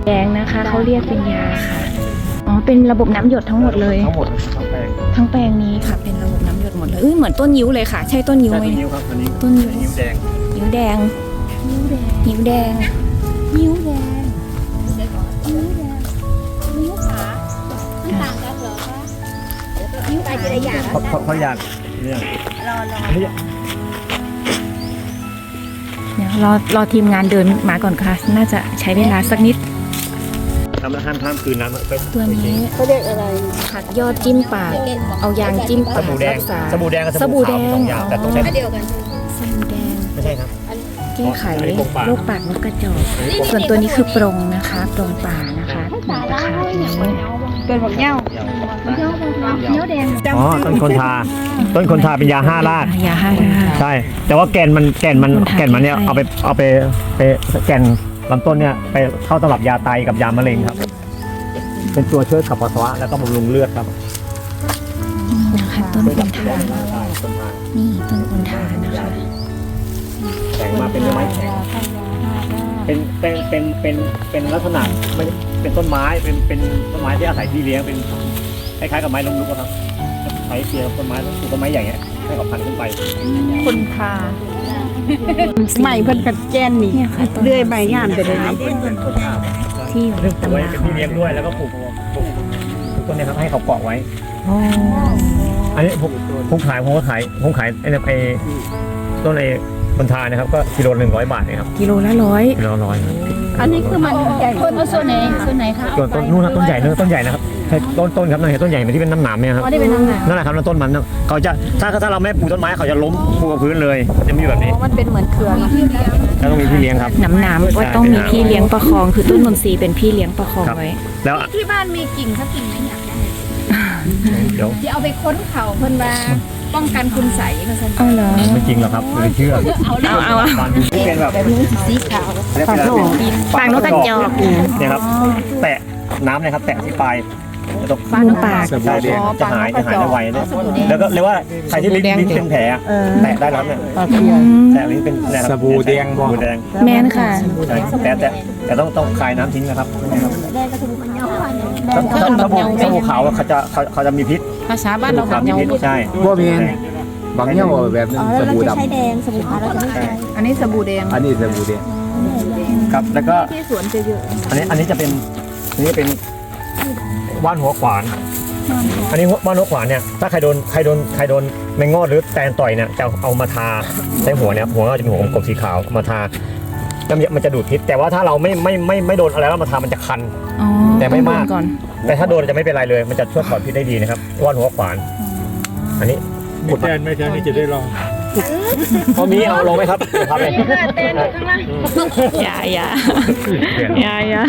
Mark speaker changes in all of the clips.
Speaker 1: แดงนะคะเขาเรียกเป็นยาค่ะอ๋อเป็นระบบน้ำหยดทั้งหมดเลย
Speaker 2: ทั้งหมดทั้งแปลง
Speaker 1: ทั้งแปลงนี้ค่ะเป็นระบบน้ำหยดหมดเลยเหมือนต้นยิ้วเลยค่ะใช่ต้นยิ้วไหม
Speaker 2: นิ้วครับอันนี้
Speaker 1: ต้นยิ้ว
Speaker 2: นิ้วแดง
Speaker 1: ยิ้วแดงยิ้วแดงยิ้วแดง
Speaker 3: นิ้วขามันต่างกันเหรอคะนิ้วขาจะได้อย่าง
Speaker 2: เขาอยากเนี่ย
Speaker 3: รอ
Speaker 1: เดี๋ยวรอทีมงานเดินมาก่อนค่ะน่าจะใช้เวลาสักนิด
Speaker 2: ทำแล้วห้ามคืนน้ำไป
Speaker 1: ตัวนี้
Speaker 3: เขาเรียกอะไร
Speaker 1: ผักยอดจิ้มปากเอายางจิ้ม
Speaker 2: ส
Speaker 1: ปาก
Speaker 2: บู่แดง
Speaker 1: รักษา
Speaker 2: สบู่แดงกับ
Speaker 1: สบู่แดง
Speaker 2: สองอย่างแต่ต้องใช้
Speaker 3: เดียวกัน
Speaker 1: สบู่แดง
Speaker 2: ไม่ใช่ครับ
Speaker 1: แก้ไขโรคปากนกกระจอกส่วนตัวนี้คือปรงนะคะปรงป่านะคะราคานี้
Speaker 3: เป็นบักเน่าเนื้อแดง
Speaker 2: อ๋อต้นคนทาเป็นยา5 ราก
Speaker 1: ยาห้ารา
Speaker 2: ใช่แต่ว่าแก่นมันเนี่ยเอาไปแก่นลำต้นเนี่ยไปเข้าตำรับยาไตกับยามะเร็งครับเป็นตัวช่วยขับปัสสาวะแล้วก็บำรุงเลือดครับ
Speaker 1: นี่นะคะต้นคนทานี่ต้นคนทานะคะ
Speaker 2: แข็งมาเป็นไม้แข็งเป็นลักษณะไม่เป็นต้นไม้เป็นต้นไม้ที่อาศัยที่เลี้ยงเป็นคล้ายๆกับไม้ล้มลุกครับใช้เสียต้นไม้ปลูกต้นไม้ใหญ่เงี้ยให้ออกพันธุ์ขึ้นไป
Speaker 3: คนทาใหม่เพิ่นกัดแกนนี่
Speaker 1: เนี่ยค่ะต้น
Speaker 3: เลื่อยใบงามไปเลย
Speaker 1: ที่อยู่ใน
Speaker 2: ปลูก
Speaker 1: ตำ
Speaker 2: ไว้
Speaker 1: รา
Speaker 2: เป็นที่เลี้ยงด้วยแล้วก็ปลูกต้นนี้ครับให้เขาเกาะไว้
Speaker 1: อ๋อ
Speaker 2: อันนี้ผมขายไอ้ต้นไอ้บนทานะครับก็กิโล100 บาทเนี่ยครับ
Speaker 1: กิโลละ100
Speaker 2: กิโลละ100
Speaker 3: อันนี้คือมันใหญ่คนส่วนไหนคะ
Speaker 2: ส่วนต้นนู่นนะต้นใหญ่นะครับใช่ต้นครับนั่นเห็นต้นใหญ่มันที่เป็นน้ำหนามเนี่ยครับ
Speaker 3: ได้เป็นน้ำหนัก
Speaker 2: นั่นแหละครับแล้วต้นมันเขาจะถ้าเราไม่ปลูกต้นไม้เขาจะล้มปลูกกับพื้นเลยจะมีแบบนี้
Speaker 3: มันเป็นเหมือนเครือ
Speaker 2: แล้วต้องมีพี่เลี้ยงครับ
Speaker 1: หนามก็ต้องมีพี่เลี้ยงประคองคือต้นนนทรีย์เป็นพี่เลี้ยงประคองไว้
Speaker 2: แล้ว
Speaker 3: ที่บ้านมีกิ่งสักกิ่งไหมอยากได้
Speaker 2: เดี๋ยว
Speaker 3: ที่เอาไปค้นเขาเพิ่นว่าป้องกันคุณใสเพิ่น
Speaker 1: เอาเหรอ
Speaker 2: ไม่จริงหรอกครับไม่เชื่อ
Speaker 1: เอา
Speaker 2: ที่เป็นแบบ
Speaker 3: สีขาว
Speaker 1: ปากนกกระจอก
Speaker 2: เนี่ยครับแตะน้ำเนี่ยครับแตะที่ปลายแล้วตรง
Speaker 1: มุมปาก
Speaker 2: ใช่จะหายได้ไวเนี่ยแล้วก็เรียกว่าใครที่ลิ้นเป็นแผลแตะได้แล้วเนี่ยแตะลิ้นเป็นสบู่แดง
Speaker 1: แม่นค่ะ
Speaker 2: แต่ต้องคลายน้ำทิ้งนะครับ
Speaker 3: แดงกับสบู่ขาว
Speaker 2: สบู่ขาวเขาจะมีพิษ
Speaker 3: ภาษาบ้านเราแบบ
Speaker 2: มี
Speaker 3: เงา
Speaker 2: พิษใช่
Speaker 4: บ่แม่นบางเงี้ยว่าแบบนึงสบู่ดำ
Speaker 3: ใช้แดงสบู่ขาวเราจะไม่ใช้อันนี้สบู่แดง
Speaker 4: อันนี้สบู่แดง
Speaker 2: ครับแล้วก็
Speaker 3: ที่สวนจะเยอะ
Speaker 2: อันนี้จะเป็นว่านหัวขวาน อันนี้ว่านหัวขวานเนี่ยถ้าใครโดนแมงงอดหรือแตนต่อยเนี่ยจะเอามาทาใช้หัวเนี่ยหัวก็จะเป็นหัวกลมสีขาวมาทาแล้วมันจะดูดพิษแต่ว่าถ้าเราไม่โดนอะไรแล้วมาทามันจะคัน
Speaker 1: อ๋อ
Speaker 2: แต่ไม่มาก
Speaker 1: ก่อน
Speaker 2: แต่ถ้าโดนจะไม่เป็นไรเลย มันจะช่วยถอดพิษได้ดีนะครับว่านหัวขวาน อันนี้
Speaker 4: ไม่แทนนี่จะได้ลอง
Speaker 2: พอมีเอาลงไหมครับครับเลย
Speaker 3: เต้นข้างล่าง
Speaker 1: อย่า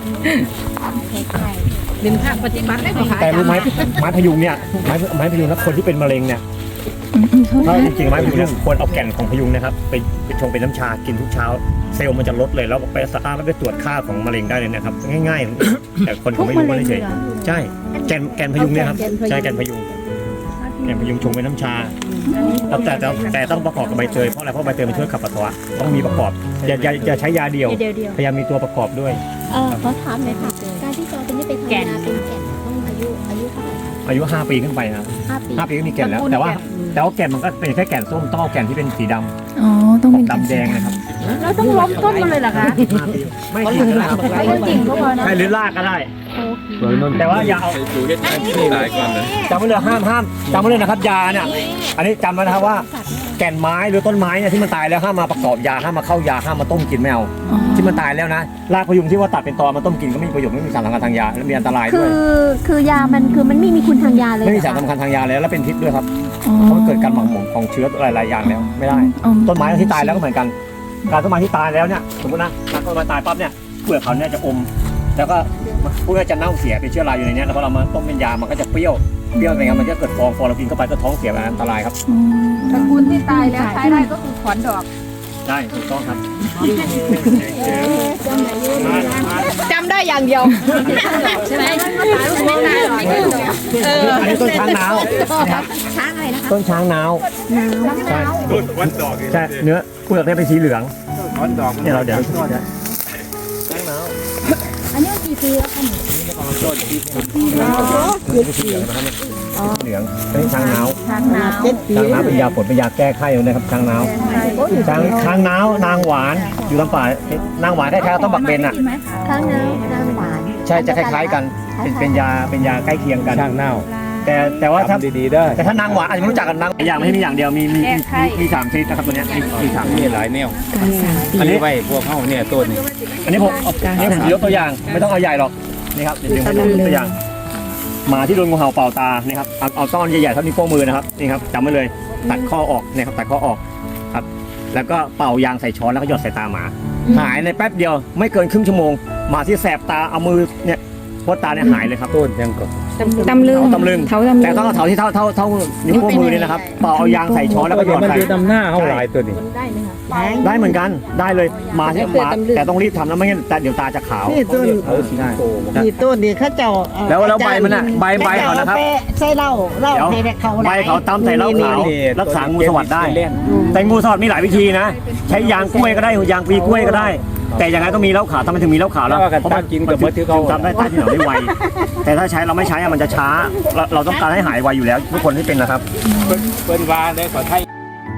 Speaker 3: ริมทางปฏิบัติได้ไหมคะ
Speaker 2: แต่รู้ไหมไม้พยุงเนี่ยไม้พยุงนะคนที่เป็นมะเร็งเนี่ยถ้าจริงๆไม้พยุงเนี่ยควรเอาแก่นของพยุงนะครับไปชงเป็นน้ำชากินทุกเช้าเซลล์มันจะลดเลยแล้วไปสตาร์ทแล้วไปตรวจค่าของมะเร็งได้เลยนะครับง่ายๆแต่คนเขาไม่รู้ว่าเฉยใช่แก่นพยุงเนี่ยครับใช่แก่นพยุงชงเป็นน้ำชาแต่ต้องประกอบกับใบเตยเพราะอะไรเพราะใบเตยมันช่วยขับปัสสาวะต้องมีประกอบอย่าใช้ยาเดียวพยายามมีตัวประกอบด้วย
Speaker 3: เขาถามเลยค่ะการที่จอเป็นนี่ไปทำงานเป็นแก่นต้องอายุเท่าไหร่คะ
Speaker 2: อายุ5 ปีขึ้นไปนะ
Speaker 3: 5 ปี
Speaker 2: 5 ปีก็มีแก่นแล้วแต่ว่าแก่นมันก็เป็นแค่แก่นส้มต้องเอาแก่นที่เป็นสีดำ
Speaker 1: อ๋อต้องเป็น
Speaker 2: ดำแดงนะครับ
Speaker 3: เราต้องล้มต้นมันเลยเหรอคะ
Speaker 2: 5 ปีไม่จริงนะครับ
Speaker 3: จริงก็พอนะ
Speaker 2: ใช่หรือลากก็ได้แต่ว่าอย่าเอาจำไว้เลยห้ามจำไว้เลยนะครับยาเนี่ยอันนี้จำไว้นะครับว่าแก่นไม้หรือต้นไม้เนี่ยที่มันตายแล้วห้ามมาประกอบยาห้ามมาเข้ายาห้ามมาต้มกินไม่เอาที่มันตายแล้วนะรากพยุงที่ว่าตัดเป็นตอมาต้มกินก็ไม่มีประโยชน์ไม่มีสารสำคัญทางยาและมีอันตรายด้วย
Speaker 3: คือยามันคือมันไม่มีคุณทางยาเลย
Speaker 2: ไม่มีสารสำคัญทางยาแล้วและเป็นพิษด้วยครับเพราะมันเกิดการหมักหมมของเชื้อหลายๆอย่างแล้วไม่ได้ต้นไม้ที่ตายแล้วก็เหมือนกันการต้นไม้ที่ตายแล้วเนี่ยสมมตินะต้นไม้ตายปั๊บเนี่ยเปลือกเขาเนี่ยจะอมแล้วก็พวกนี้จะเน่าเสียเป็นเชื้อราอยู่ในนี้แล้วพอเรามาต้มเป็นยามันก็จะเปรี้ยวอะไรเงี้ยมันจะเกิดฟองเรากินเข้าไปก็ท้องเสียอันตรายครับ
Speaker 3: ตระกูลที่ตายแล้วใช้ได้ก็คือขอนดอก
Speaker 2: ได้ถูกต้องครับ
Speaker 3: จำได้อย่างเดียวใช่ไหมไม่ตายหรอก
Speaker 2: อันนี้ต้นช้างนาว
Speaker 3: ช้างอะไรนะคะ
Speaker 2: ต้นช้างนาวใช่
Speaker 4: วันดอก
Speaker 2: ใช่เนื้อเปลือกเนี่ยเป็นสีเหลือง
Speaker 4: วันดอก
Speaker 2: เนี่ยเราเดี๋ยวช้างนาว
Speaker 3: อ
Speaker 1: อันนี้กี่ปีแล้วคะนี่
Speaker 2: เหลืองอันนี้ช้างน้าว
Speaker 1: ทางน้ำ
Speaker 2: ช้างน้าวเป็นยาฝนเป็นยาแก้ไข้นะครับช้างน้าวช้างนาวนางหวานอยู่ลำป่านางหวานคล้ายๆต้นบักเบนอ่ะ
Speaker 1: ทางน้ำน้ำหวาน
Speaker 2: ใช่จะคล้ายๆกันเป็นยาใกล้เคียงกัน
Speaker 4: ช่างเน่า
Speaker 2: แต่ว่าถ้า
Speaker 4: ทำดีๆได้
Speaker 2: แต่ถ้านางหวานอาจจะไม่รู้จักกันนางอย่างไม่ใช่มีอย่างเดียวมีสามชนิดนะครับตัวเนี้ยมีสาม
Speaker 4: มีหลายแนว
Speaker 1: การสามปี
Speaker 2: อันนี้
Speaker 4: ไว้พวกเขาเนี่ยต้นนี่
Speaker 2: อันนี้ผมยกตัวอย่างไม่ต้องเอาใหญ่หรอกนี่ครับเดี๋ยวผมยกตัวอย่างหมาที่โดนงูเห่าเป่าตานี่ครับเอาต้อนใหญ่ๆเท่านิ้วโป้งมือนะครับนี่ครับจำไว้เลยตัดข้อออกนะครับตัดข้อออกครับแล้วก็เป่ายางใส่ช้อนแล้วก็หยอดใส่ตาหมาหายในแป๊บเดียวไม่เกินครึ่งชั่วโมงหมาที่แสบตาเอามือเนี่ยพดตาเนี่ยหายเลยครับ
Speaker 4: ต้นยังก็
Speaker 1: ตำลึง
Speaker 2: ตำลึง
Speaker 1: เท้าตำลึง
Speaker 2: แต่ต้องเอาเถาที่เท่านิ้วโป้งมือนี่นะครับเป่าเอายางใส่ช้อนแล้วก็หยอด
Speaker 4: มัน
Speaker 2: ใส่
Speaker 4: อยู่ตำหน้าเขาหลายตัวนี่
Speaker 2: ได้เหมือนกันได้เลยหมาที่หมาแต่ต้องรีบทำนะไม่งั้นแต่เดี๋ยวตาจะขาว
Speaker 5: นี่ต้น
Speaker 2: ได้
Speaker 5: นี่ต้นนี่เขาเจ้า
Speaker 2: แล้วใบมันน่ะใบเขานะครับ
Speaker 5: ใส่เหล้าให้เขา
Speaker 2: ใบเขาตำใส่เหล้าขาวรักษางูสวัสดได้ แต่งูสวัสดมีหลายวิธีนะ ใช้ยางกล้วยก็ได้ยางปลีกล้วยก็ได้ แต่ยังไงต้องมีเหล้าขาวทำไมถึงมีเหล้าขาวแล้ว
Speaker 4: เพราะว่ากินกับมะเขือเขา
Speaker 2: ทำได้ใต้ที่หนอนได้ไวแต่ถ้าใช้เราไม่ใช้มันจะช้าเราต้องการให้หายไวอยู่แล้วทุกคนที่เป็นนะครับ
Speaker 4: เปิ้นว่าได้ขอไทย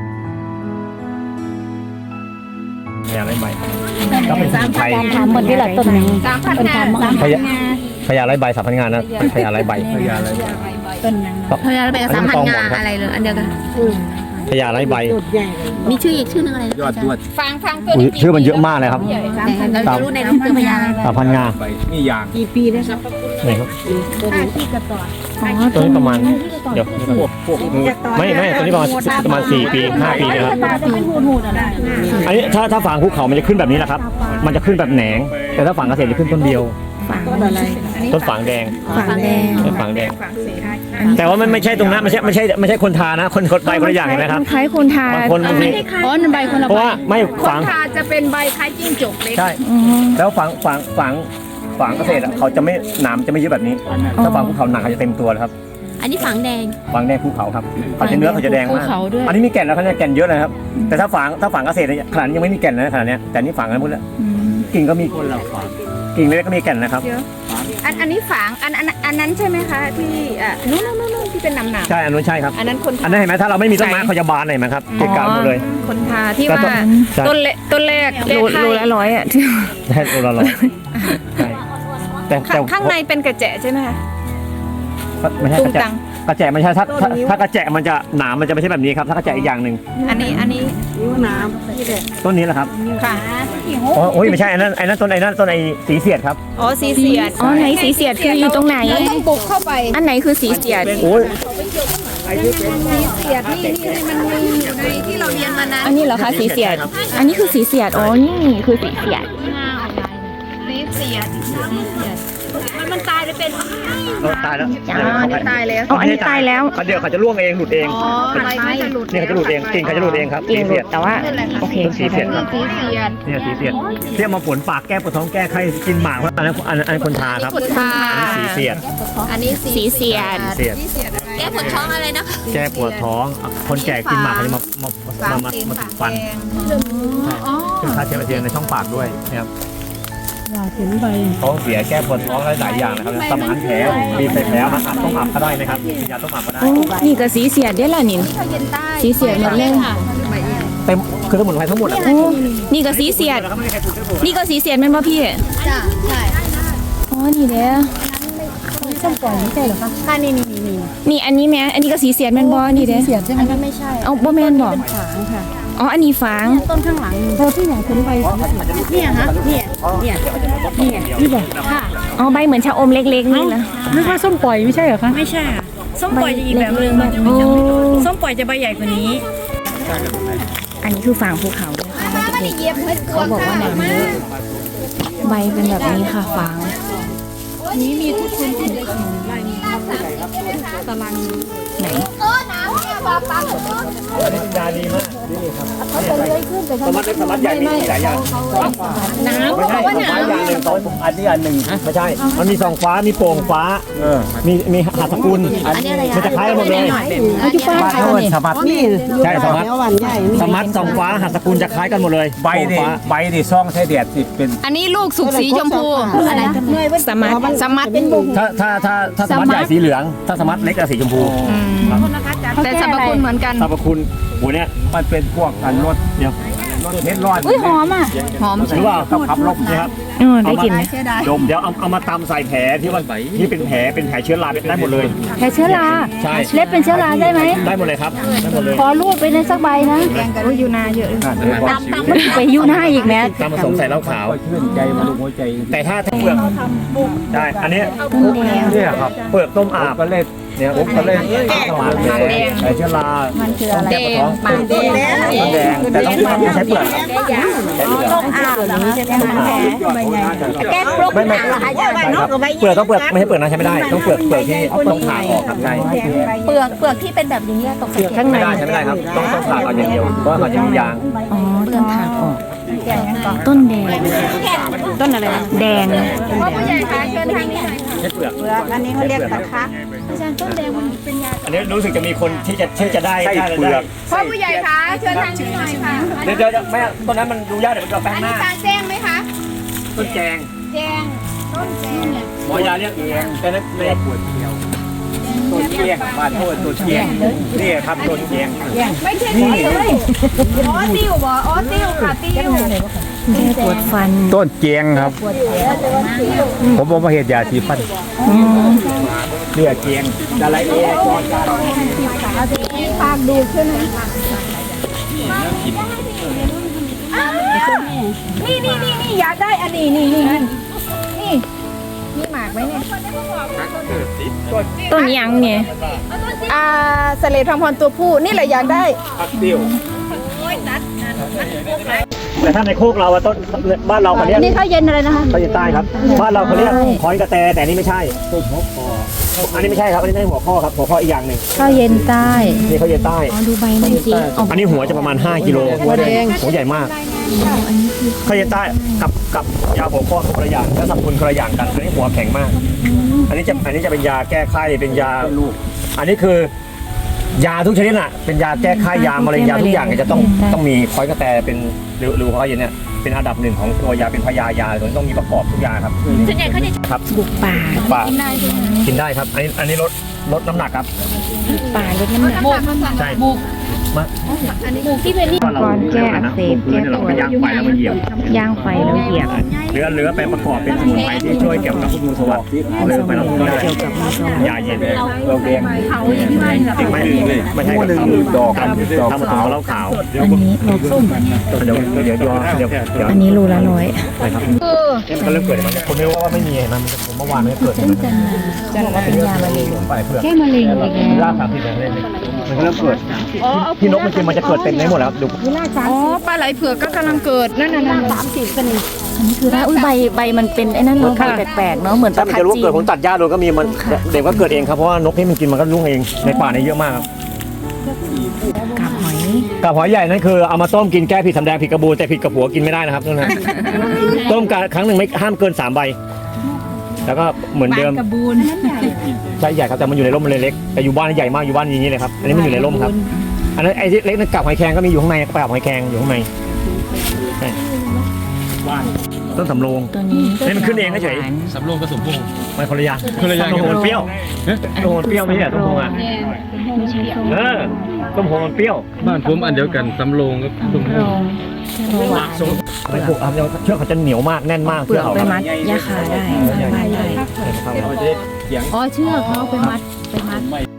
Speaker 2: พญาไรใบก็เป็นสมุนไพร
Speaker 1: ถามหมดที่หลักต้นนี้
Speaker 2: พญาไรใบสามพันงานนะพญาไรใบ
Speaker 4: พยาอะไร
Speaker 1: ต้นนั้น
Speaker 3: พยาไปกับสามพันงาอะไรเลยอันเดียวกัน
Speaker 2: พญาไรใบ
Speaker 3: มีชื่ออีกชื่อนึงอะไร
Speaker 4: ยอดดวด
Speaker 3: ฟังตัว
Speaker 2: อุ๊ยชื่อมันเยอะมากเลยครับ
Speaker 3: แต่เราจะรู้ในรูปคือพยาอะไร
Speaker 2: สามพันงา
Speaker 4: ใบนี่ยาง
Speaker 5: กี่ปีได้ครับ
Speaker 2: ไหนครับ
Speaker 1: อ๋อ
Speaker 2: ตัวนี้ประมาณเดี๋ยวไม่ตัวนี้ประมาณ4 ปี5 ปีนะครับอันนี้ถ้าฝางภูเขามันจะขึ้นแบบนี้แหละครับ มันจะขึ้นแบบแหนง แต่ถ้าฝางเกษตรจะขึ้นต้นเดียว
Speaker 1: ฝัง
Speaker 2: ต้นฝางแดง
Speaker 1: ฝังแดง
Speaker 2: ต้นฝางแดง แต่ว่ามันไม่ใช่ตรงนั้นไม่ใช่คนทานะคนใบคนละอย่างเห็นไหมครับ
Speaker 1: คล้ายคนทา
Speaker 2: บางคนบางที
Speaker 3: อ๋อนั่นใบคนละ
Speaker 2: เพราะว่าไม่ฝาง
Speaker 3: ทาจะเป็นใบคล้ายจิ้งจกเล็ก
Speaker 2: ใช่
Speaker 1: อ๋อ
Speaker 2: แล้วฝางเกษตรเขาจะไม่หนามจะไม่เยอะแบบนี้ถ้าฝางภูเขาหนักเขาจะเต็มตัวเลยครับ
Speaker 3: อันนี้ฝังแดง
Speaker 2: ฝางแดงภูเขาครับเขาจะเนื้อเขาจะแดงมาก
Speaker 3: ภูเขาด้วย
Speaker 2: อันนี้มีแก่นแล้วเขาเนี่ยแก่นเยอะเลยครับ แต่ถ้าฝางเกษตรเนี่ยขนาดนี้ยังไม่มีแก่นเลยนะขนาดเนี้ยแต่นี่ฝางกันหมดแล้ว
Speaker 1: อืม
Speaker 2: กิ่งก็มีกิ่งเล็กก็มีแก่นนะครับ
Speaker 3: อันนี้ฝังอันนั้นใช่ไหมคะที่นู่นที่เป็นหนาม
Speaker 2: ใช่อันนู้นใช่ครับ
Speaker 3: อันนั้นคน
Speaker 2: อันนั้นเห็นไหมถ้าเราไม่มีต้นไม้เขาจะบานเห็นไหมครับเกะกะหมดเลย
Speaker 3: คนทาที่ว่า
Speaker 2: ใช่
Speaker 3: ต้นแรก
Speaker 1: โลละ100อ่ะที่
Speaker 2: ใช่ตัวละร้อยใช่แต่
Speaker 3: ข้างในเป็นกระแจใช่ไหมคะ
Speaker 2: ไม่ใช่
Speaker 3: ตุ้
Speaker 2: ก
Speaker 3: ง
Speaker 2: ระแจ
Speaker 3: ตัง
Speaker 2: กระแจไม่ใช่ถ้ากระแจมันจะหนามมันจะไม่ใช่แบบนี้ครับถ้ากระแจอีกอย่างหนึ่ง
Speaker 3: อันนี้
Speaker 5: นิ้วน้ำนี่แหละ
Speaker 2: ต้นนี้แหละครับ
Speaker 3: ค่ะ
Speaker 2: โอ้ยไม่ใช่อันนั้นต้นไอ้สีเสียดครับ
Speaker 3: อ๋อสีเสียด
Speaker 1: อ๋อไหนสีเสียดคืออยู่ตรงไหน
Speaker 3: เราต้องปลูกเข้าไป
Speaker 1: อันไหนคือสีเสียด
Speaker 2: โอ้ย
Speaker 3: สีเสียดนี่มันมีอยู่ในที่เราเรียนมานั้น
Speaker 1: อันนี้เหรอคะสีเสียด อันนี้คือสีเสียด อ๋อ นี่คือสีเสียด
Speaker 3: สีเสียดมันตายเลยเป็น
Speaker 2: ตายแล้ว
Speaker 3: ตายแล้ว
Speaker 1: อ๋อ อันนี้ตายแล้ว
Speaker 2: เดี๋ยวเขาจะร่วงเองหลุดเอง
Speaker 3: อ๋อใบเขาจะหลุด
Speaker 2: นี่เขาจะหลุดเองกิ่งเขาจะหลุดเองครับ
Speaker 1: เองหลุ
Speaker 2: สี
Speaker 1: ดแต่ว่า โอเค
Speaker 2: สีเสียดครับ
Speaker 3: สีเสียด
Speaker 2: เนี่ยสีเสียดเรียกมาฝนปากแก้ปวดท้องแก้ไข้กินหมากเพราะอันนั้นคนทาครับ
Speaker 3: คนทา
Speaker 2: อันนี้สีเสียด
Speaker 3: อันนี้
Speaker 1: สีเสียด
Speaker 2: เสียด
Speaker 3: แก้ปวดท้องอะไรนะ
Speaker 2: แก้ปวดท้องคนแก่กินหมากเขาจะมาติดฟันคือค่าเชื้อแบคทีเรียในช่องปากด้วยนะครับท้องเสียแก้ปวดท้องหลายอย่างนะครับสมานแผลมีใส่แผลมาอาบต้องอาบก็ได้นะครับกินยาต้องอาบก็ได้
Speaker 1: โอ้นี่ก็สีเสียดได้ละนี่สีเสียดหมดเลย
Speaker 2: เต็มคือสมุนไพรทั้งหมด
Speaker 1: โอ้นี่ก็สีเสียด
Speaker 2: แล้วก็ไม่มีใครปลูกได้ผล
Speaker 1: นี่ก็สีเสียดแม่นบ่พี่
Speaker 3: จ้าใช่
Speaker 1: อ๋อ นี่แหละ
Speaker 3: ค่ะนี่
Speaker 1: นี่อันนี้แม่อันนี้ก็สีเสียดแม่นบ่นี่เด้
Speaker 5: เสียดใช่ไหม
Speaker 3: อันนั้นไม่ใช่
Speaker 1: เอาบ่แม่นบ่
Speaker 5: ฝางค่ะ
Speaker 1: อ๋อ อันนี้ฝาง
Speaker 3: ต้นข้างหลัง
Speaker 5: เราที่อย่างคุณใบ
Speaker 3: เนี่ยฮะเนี่ย
Speaker 1: อ๋อ ใบเหมือนชะอมเล็กๆนี่นะ
Speaker 5: นึกว่าส้มปล่อยไม่ใช่เหรอคะ
Speaker 6: ไม่ใช่ค่ะส้มปล่อยจะอีกแบบนึง
Speaker 1: โอ้
Speaker 6: ส้มปล่อยจะใบใหญ่กว่านี้
Speaker 1: อันนี้คือฝางภูเขาด้วยค่ะ
Speaker 3: ไม่ได้เย็บเพื่อน
Speaker 1: เขาบอกว่าน้ำเยอะใบเป็นแบบนี้ค่ะฝาง
Speaker 3: นี้มีทุกคน
Speaker 1: ไหน
Speaker 2: อันนี้เป็นยาดีมากนี่ครับสมัดเล็กสมัดใหญ่มีหลายอย่าง
Speaker 3: น้ำ
Speaker 2: ไม่
Speaker 3: เขา
Speaker 2: ใช่
Speaker 3: บอกว่า
Speaker 2: ฟ้า
Speaker 3: น้ำ
Speaker 2: อย่างหนึ่งอันนี้อันหนึ่งไม่ใช่มันมีสองฟ้ามีโป่งฟ้ามีหัตถกุลมันจะคล้ายกันหมดเลย
Speaker 5: เขาจะป้า
Speaker 2: บ้านเขาเป็นสมัด
Speaker 5: นี่
Speaker 2: ใช่สมัด
Speaker 5: แถววันใหญ่
Speaker 2: สมัดสองฟ้าหัตถกุลจะคล้ายกันหมดเลย
Speaker 4: ใบนี่
Speaker 2: โป่งฟ้า
Speaker 4: ใบนี่ซ่องใช้แดดสิเป็น
Speaker 3: อันนี้ลูกสุกสีชมพูอะไรสมัดสมัด
Speaker 2: ถ้าสมัดใหญ่สีเหลือง ถ้าสมัดเล็กอะสีชมพู
Speaker 3: แต่สรรพคุณเหมือนกัน
Speaker 2: สรรพคุณโหเนี่ย
Speaker 4: มันเป็นพวกกันรถ
Speaker 2: เดี๋ยว
Speaker 4: รถเฮ็ดร้อน
Speaker 1: อุ้ยหอมอ่ะ
Speaker 3: หอม
Speaker 2: หรือเปล่า
Speaker 4: กับขับลม
Speaker 2: นี่ครับ
Speaker 1: ได้กลิ่นไหม
Speaker 2: ดมเดี๋ยวเอามาตำใส่แผลที่ว่าที่เป็นแผลเชื้อราได้หมดเลย
Speaker 1: แพ้เชื้อรา
Speaker 2: ใช่
Speaker 1: เล็บเป็นเชื้อราได้ไหม
Speaker 2: ได้หมดเลยครับได้หมดเลย
Speaker 1: ขอรูปไปในสักใบนะ
Speaker 3: อยู่นาเยอะ
Speaker 1: มันไปยูหน้าอีกแม้
Speaker 2: ตำผสมใส่เหล้าขาว
Speaker 4: ก็ชื่นใจมาลุงหัวใจ
Speaker 2: แต่ถ้าเปลือกใช่อันนี้
Speaker 1: ต้นแดง
Speaker 2: เนี่ยครับเปลือกต้มอาบ
Speaker 4: ก็เล่น
Speaker 2: เนี่ยอุ๊บก็เล่นสมานแผลเชื้อรา
Speaker 1: มันคืออะไร
Speaker 3: แดงปากแดง
Speaker 2: แดงแต่ต้องไม่ใช้เปลือก
Speaker 1: ต้องอาบเหรอคะมันแผล
Speaker 3: แก้ปลุก
Speaker 2: ไม่เปลือกต้องเปลือกไม่ใช่เปลือกนะใช้ไม่ได้ต้องเปลือกที่ต้องผ่าออกครับใช่
Speaker 1: เปลือกที่เป็นแบบนี้ตกเปลือกข้างใน
Speaker 2: ไม่ได้ใช้ไม่ได้ครับต้องผ่าออกอย่างเดียวเพราะว่ามันจะมียาง
Speaker 1: อ๋อต้องผ่าออกต้นแดง
Speaker 3: ต้นอะไรนะ
Speaker 1: แดง
Speaker 3: พ่อผู้ใหญ่คะเชิญทางนี้หน่อย
Speaker 2: ใช้เปลือก
Speaker 5: อันนี้เขาเรียกตะคะ
Speaker 2: อันนี้รู้สึกจะมีคนที่จะได้
Speaker 4: ใช่
Speaker 2: ได้
Speaker 4: เปลือก
Speaker 3: พ่อผู้ใหญ่คะเชิญทางนี้หน่อยค่ะ
Speaker 2: เดี๋ยวแม่ต้นนั้นมันดูยากเดี๋ยวมันจะแปลง
Speaker 3: อัน
Speaker 2: ห
Speaker 3: นี้
Speaker 2: น้า
Speaker 3: ตาแจ้งไหมคะ
Speaker 2: ต้นแจง
Speaker 3: แจ้งต้นแจ้งเนี่ย
Speaker 2: หมอยาเรียกเองแต่นั้นไม่
Speaker 4: ปวดเที่ยวต้นเทียงบ้านโทษต้นเทียงนี่ครับต้นเทียง
Speaker 3: ไม่ใช่นี่เลยอ๋อติ้วบ่อ๋อติ้วค่ะติ้ว
Speaker 1: ปวดฟัน
Speaker 4: ต้นเจียงครับ ผมบอกว่าเหตุยาสีฟันเนี่ยเจียงอะไรเองก่อนการ
Speaker 3: ปากดูขึ้นไหมนี่อยากได้อันนี้นี่หมากไหมเนี่ย
Speaker 1: ต้นยังเนี่ย
Speaker 3: เสลดทองพรตัวผู้นี่แหละอยากได้
Speaker 4: พักเตี้ยว
Speaker 2: แต่ถ้าในโคกเราอะต้นบ้านเราเขาเรียก
Speaker 1: นี่ข้าวเย็นอะไรนะคะ
Speaker 2: เขาจะใต้ครับบ้านเราเขาเรียกคอนกระแตแต่นี่ไม่ใช่ต้นหัวคออันนี้ไม่ใช่ครับอันนี้ไม่ใช่หัวข้อครับหัวข้ออีกอย่างหนึ่ง
Speaker 1: ข้าวเย็นใต้
Speaker 2: นี่เขาเย็นใต้
Speaker 1: อ๋อดูใบนั่นสิอ๋อ
Speaker 2: อันนี้หัวจะประมาณ5 กิโลหัวแดงหัวใหญ่มากเขาเย็นใต้กับยาหัวข้อคนละอย่างและสรรพคุณคนละอย่างกันอันนี้หัวแข็งมาก อันนี้จะเป็นยาแก้ไข้เป็นยาอันนี้คือยาทุกชนิดน่ะเป็นยาแก้ไข้ยามะเร็งยาทุกอย่างเนี่ยจะต้องมีคอยกระแตเป็นหรือเขาเย็นเนี่ยเป็นอันดับหนึ่งของตัวยาเป็นพยายาตัวนี้ต้องมีประกอบทุกอย่างครับส่วนใหญ่เขาจะครับ
Speaker 1: บุกป่า
Speaker 2: ป่ากินได้ครับอันนี้ลดน้ำหนักครับ
Speaker 1: ป่าลดน้ำหนัก
Speaker 2: ใช่
Speaker 1: บุกที่เป็นนี่ก่อนแก้อักเสบแก้ป
Speaker 2: เรา
Speaker 1: ว
Speaker 2: ไป
Speaker 1: ด
Speaker 2: ย่างไฟแล้วมาเหยียบ
Speaker 1: ย่างไฟแล้วเหยียบ
Speaker 2: เหลือไปประกอบเป็นสมุนไพรที่ช่วยเกี่ยวกับงูสวัสดิ์เลือไปเราได้
Speaker 1: เกี่ยวกับมือสอง
Speaker 2: ยาเย็น
Speaker 4: เราแดง
Speaker 2: ไม่ใช่ดอกทำผสมเหล้าขาว
Speaker 1: อันนี้โลส้ม
Speaker 2: เดี๋ยว
Speaker 1: อันนี้รูละ100
Speaker 2: นะครับมันก็เริ่มเกิดมันคนไม่รู้ว่าไม่มีมันผมเมื่อวานมันเกิด
Speaker 1: ซึ่งจะบอกว่าเป็นยามะเร็ง
Speaker 2: ไปเพื่อ
Speaker 1: แก้มะเร็งอีกแล้ว
Speaker 2: ราก30เล่นมันก็เริ่มเกิดที่นกมันกินมันจะเกิดเต็มได้หมดแล้วดู
Speaker 3: อ๋อปลาไหลเผือกก็กำลังเกิดนั่นน่ะ
Speaker 1: อันนี้คือถ้าอุ้ยใบมันเป็นไอ้นั่นเนาะใบแปลกๆเนาะเหมือน
Speaker 2: ถ้า
Speaker 1: ตะ
Speaker 2: มัน
Speaker 1: พัด
Speaker 2: จะรู้
Speaker 1: จี
Speaker 2: เกิด
Speaker 1: น
Speaker 2: ผมตัดหญ้าโดนก็มีมันเด็กก็เกิดเองครับเพราะว่านกที่มันกินมันก็รุ่งเองในป่านี้เยอะมากครับ
Speaker 1: กาบหอย
Speaker 2: กับหอยใหญ่นั่นคือเอามาต้มกินแก้ผิดสำแดงผิดกระบูแต่ผิดกับหัวกินไม่ได้นะครับนั่นนะต้มครั้งหนึ่งไม่ห้ามเกิน3 ใบแล้วก็เหมือนเดิมใช่ใหญ่ครับแต่มันอยู่ในร่มมันเลยเล็กแต่อยู่บ้านใหญ่มากอยู่บ้านอย่างนี้เลยครับอันนี้มันอยู่ในร่มครับอันนั้นไอ้เล็กนั่นกับหอยแครงก็มีอยู่ข้างในกับหอยแครงอยู่ข้างในใช่ต้นสำโรง
Speaker 1: ตัวนี้
Speaker 2: นี่มันขึ้นเองเฉย
Speaker 7: สำโรงผสมพง
Speaker 2: ไม่คนละอย่างต้มโหนเปรี้ยวต้มโหนเปรี้ยวไม่ใช่ต้มโหนอ่ะ
Speaker 1: ไม่ใช่ส้ม
Speaker 2: ต้มโหนเปรี้ยว
Speaker 7: บ้านผมอันเดียวกันสำโรงกับผสมพ
Speaker 1: โรง งแค่หวาน
Speaker 2: ไม่ผูกครับเชือกเขาจะเหนียวมากแน่นมาก
Speaker 1: เปลือกไปมัดยาขาได้สร้างบ้านได้
Speaker 4: เราจะเสียง
Speaker 1: อ๋อเชือกเขาไปมัด